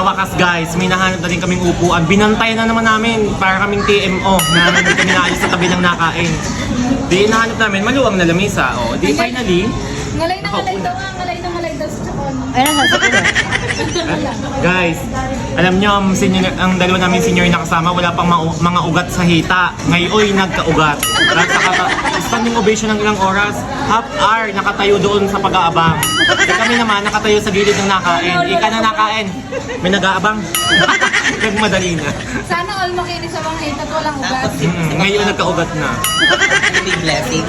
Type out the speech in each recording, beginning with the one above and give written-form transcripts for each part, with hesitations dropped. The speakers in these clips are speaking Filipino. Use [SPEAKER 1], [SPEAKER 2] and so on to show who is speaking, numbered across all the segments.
[SPEAKER 1] wakas guys, may nahanap na rin kaming upuan. Binantayan na naman namin para kaming TMO na hindi kami naalis sa tabi ng nakain. Di nahanap namin, maluwang na lamesa. O, di finally,
[SPEAKER 2] Ngalay na ngalay daw ah, ngalay daw sa chakon.
[SPEAKER 3] Ayun ang sasabi.
[SPEAKER 1] guys, alam nyo, ang dalawa namin senior na kasama, wala pang mga ugat sa hita. Ngayon, nagka-ugat. Standing ovation ng ilang oras, half hour nakatayo doon sa pag-aabang. Kami naman, nakatayo sa gilid ng nakain. Ika na nakain. May nag-aabang. Nagmadali na.
[SPEAKER 2] Sana all makinis sa mga hita at walang ugat.
[SPEAKER 1] Ngayon, nagka-ugat na.
[SPEAKER 4] Big blessing.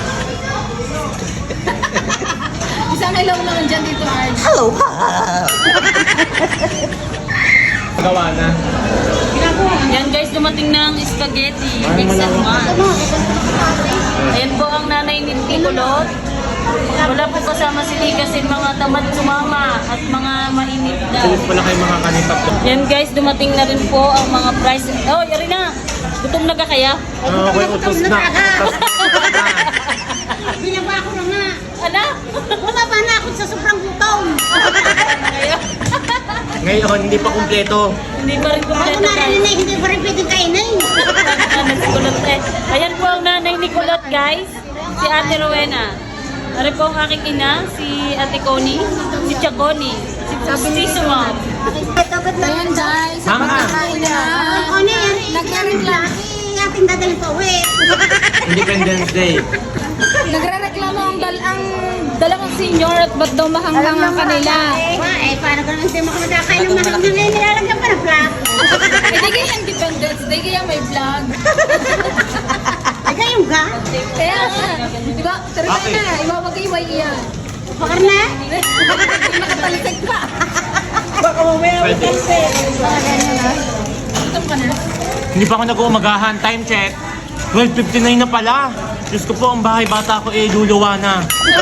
[SPEAKER 2] Isang ilaw naman dyan dito, Arj.
[SPEAKER 3] Hello, ha!
[SPEAKER 1] Gawa na.
[SPEAKER 5] Yan guys, dumating ng spaghetti. Mix and match. Ayan po ang nanay ni Tikulot. Wala po kasama si Lee kasi mga tamad sumama at mga mainit daw.
[SPEAKER 1] Tulos pala kayo mga kanipap.
[SPEAKER 5] Yan guys, dumating na rin po ang mga price. Oh, yari na! Gutom na ka kaya?
[SPEAKER 1] Okay, utos na.
[SPEAKER 3] Binaba ko na nga.
[SPEAKER 5] Ano?
[SPEAKER 3] Bumaba na ako sa sobrang gutom.
[SPEAKER 1] Ngayon, hindi pa kumpleto.
[SPEAKER 5] Hindi pa rin
[SPEAKER 3] Ako
[SPEAKER 5] kumpleto guys.
[SPEAKER 3] narinig, hindi pa rin pwedeng kainin.
[SPEAKER 5] Nagsikulot eh. Ayan po ang nanay ni Kulot guys. Si Ate Rowena. Ari po ang aking ina, si Ate Connie, si Chaconi, si Sumam.
[SPEAKER 2] Ayan guys, sa
[SPEAKER 1] Mama.
[SPEAKER 2] pagkakain na.
[SPEAKER 3] Ako na yan.
[SPEAKER 2] Nagre-reklamo.
[SPEAKER 3] Ating dadalhin pa uwi.
[SPEAKER 1] Independence Day.
[SPEAKER 2] Nagre-reklamo ang dalawang senior at ba't daw mahanggang ang kanila.
[SPEAKER 3] Paano ka naman hindi makamadakay ng mahal na ngayon nilalagyan pa ng flag?
[SPEAKER 2] Eh, di kaya Independence Day, kaya may vlog.
[SPEAKER 3] Ay, kayong ga?
[SPEAKER 2] Kaya nga, di ba? Pero
[SPEAKER 1] Okay.
[SPEAKER 2] na, iwawag-iway iyan.
[SPEAKER 3] Bakar na?
[SPEAKER 2] Hindi makatalisig pa.
[SPEAKER 1] Pwede.
[SPEAKER 2] Gutom ka na.
[SPEAKER 1] Hindi pa ako nag-uumagahan. Time check. 12:59 na pala. Diyos ko po, ang bahay bata ko luluwa na.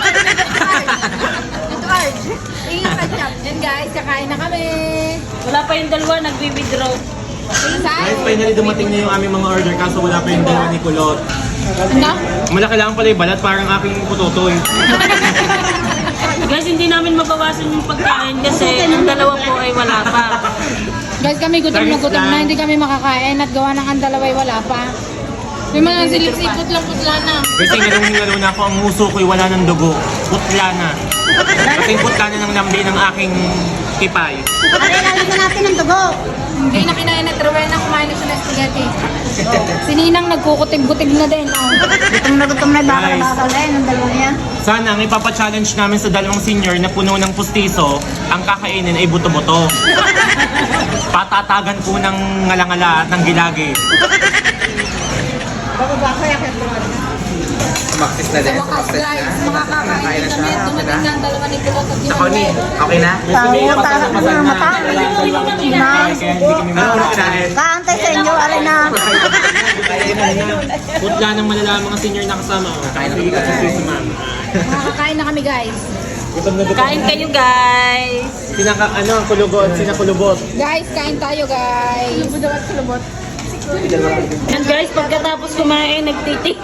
[SPEAKER 2] Ito, Arj. Ingat ka dyan. Yan guys, kakain na kami.
[SPEAKER 5] Wala pa yung dalawa, nag-withdraw.
[SPEAKER 1] Guys, finally dumating na yung aming mga order kaso wala pa yung dalawa ni Kulot.
[SPEAKER 2] Ano?
[SPEAKER 1] Malaki lang pala yung balat, parang aking putotoy.
[SPEAKER 5] Guys, hindi namin mabawasan yung pagkain kasi ang dalawa po ay wala pa.
[SPEAKER 2] Guys, kami gutom na gutom na. Hindi kami makakain at gawa ng ang dalaway wala pa. May mga silip-sipot lang putla na.
[SPEAKER 1] Kasi ngalong-ngalo na ako, ang uso ko'y wala ng dugo. Putla na. Kasing putla na ng lambi ng aking tipay.
[SPEAKER 3] Pare, lalagyan natin ng dugo.
[SPEAKER 2] Hindi na kinain at Rowena kumain na siya ng spaghetti. Si Ninang nagkukutig-butig na din. Oh.
[SPEAKER 3] Gutom na baka
[SPEAKER 1] Guys.
[SPEAKER 3] nakakalain ng dalawa yan.
[SPEAKER 1] Sana ang ipapachallenge namin sa dalawang senior na puno ng pustiso, ang kakainin ay buto-buto. Patatagan po ng ngalangala at ng gilagi.
[SPEAKER 4] Sumaktis na din.
[SPEAKER 2] Sa wakas guys, makakakain na kami. Dumating na ang dalawa ni Kulot at
[SPEAKER 4] Sa Connie, okay na?
[SPEAKER 1] May pasal na pasal na
[SPEAKER 3] mata.
[SPEAKER 1] dalawang kaya hindi kami makakain.
[SPEAKER 3] Kaantay sa inyo, alin na.
[SPEAKER 1] Putla ng malala ang mga senior na kasama. Hindi ka si ma'am.
[SPEAKER 2] Makakakain na kami guys.
[SPEAKER 1] Gutom na gutom.
[SPEAKER 5] Kain kayo guys!
[SPEAKER 1] Ang kulubot, sinakulubot.
[SPEAKER 2] Guys, kain tayo guys.
[SPEAKER 5] Yan guys, pagkatapos kumain, nagtitik.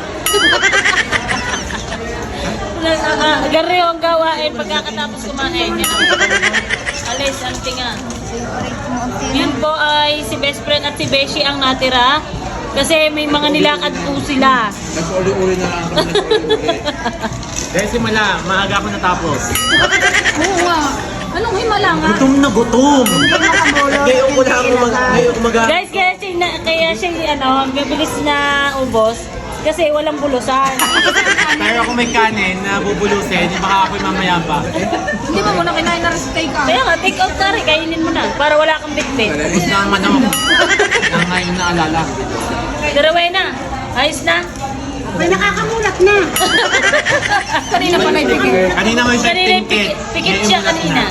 [SPEAKER 5] Garyo ang gawain pagkatapos kumain. Yan ang alis, ang tinga. Yan po ay si best friend at si Beshi ang natira. Kasi may mga nilakad po sila.
[SPEAKER 4] Nag-uli-uli na lang.
[SPEAKER 1] Dahil simula, maaga ako natapos.
[SPEAKER 2] Oo nga. Anong himala nga?
[SPEAKER 1] Gutom na gutom. Ngayon ko lang umaga.
[SPEAKER 5] Guys, kaya siya mabilis na ubos. Kasi walang bulusan.
[SPEAKER 1] Pero kung may kanin na bubulusin, baka ako'y mamaya pa.
[SPEAKER 2] Hindi ba muna kinain na recipe ka?
[SPEAKER 5] Kaya nga, take out na rin. Kainin mo na. Para wala kang bitbit.
[SPEAKER 1] Tapos na ang manok. Na ngayon na alala.
[SPEAKER 5] Rowena, ayos na.
[SPEAKER 3] May nakakamulat na.
[SPEAKER 2] Kanina pa naibigay.
[SPEAKER 1] Kanina may siya
[SPEAKER 5] Kanina,
[SPEAKER 1] tingkit.
[SPEAKER 5] pikit siya kanina.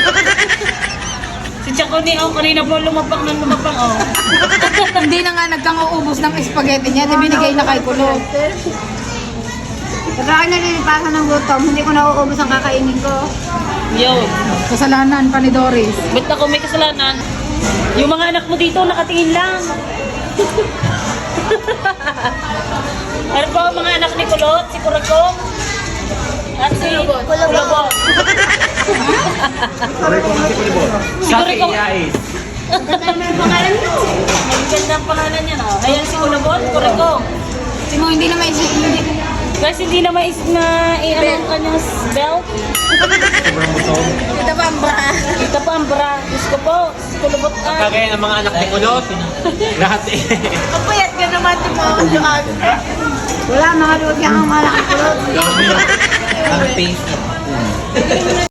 [SPEAKER 5] Si Chaconi, kanina po lumapang ng lumapang,
[SPEAKER 2] Hindi na nga nagkang-uubos ng spaghetti niya. Di binigay na kay Kulot.
[SPEAKER 3] Pagka ako nalilipasan ng gutom, hindi ko nauubos ang kakainin ko.
[SPEAKER 5] Yun.
[SPEAKER 2] Kasalanan pa ni Doris.
[SPEAKER 5] Ba't ako may kasalanan? Yung mga anak mo dito, nakatingin lang. Ano po ang mga anak ni Kulot? Si Kuragong? At si Kulabot.
[SPEAKER 1] Sabi ko si Kulibot. Sa
[SPEAKER 5] Siguro ikaw-
[SPEAKER 1] Iyais.
[SPEAKER 3] Ganda naman ang pangalan mo.
[SPEAKER 5] Ang ganda ang pangalan niya, no? Ayan si Kulabon, Kuriko.
[SPEAKER 2] Si Mo, hindi na may hindi.
[SPEAKER 5] Guys, hindi na mais na i-ano ang kanyang belt.
[SPEAKER 2] Ito pa ang bra.
[SPEAKER 5] Ito pa ang bra. Diyos ko po, kulubot ka.
[SPEAKER 1] Kagaya ng mga anak ni Kulot. Lahat eh.
[SPEAKER 2] Ang payat ka naman, tumakas. Wala, mga luwag niya ang malaki kulot.
[SPEAKER 4] Ang face.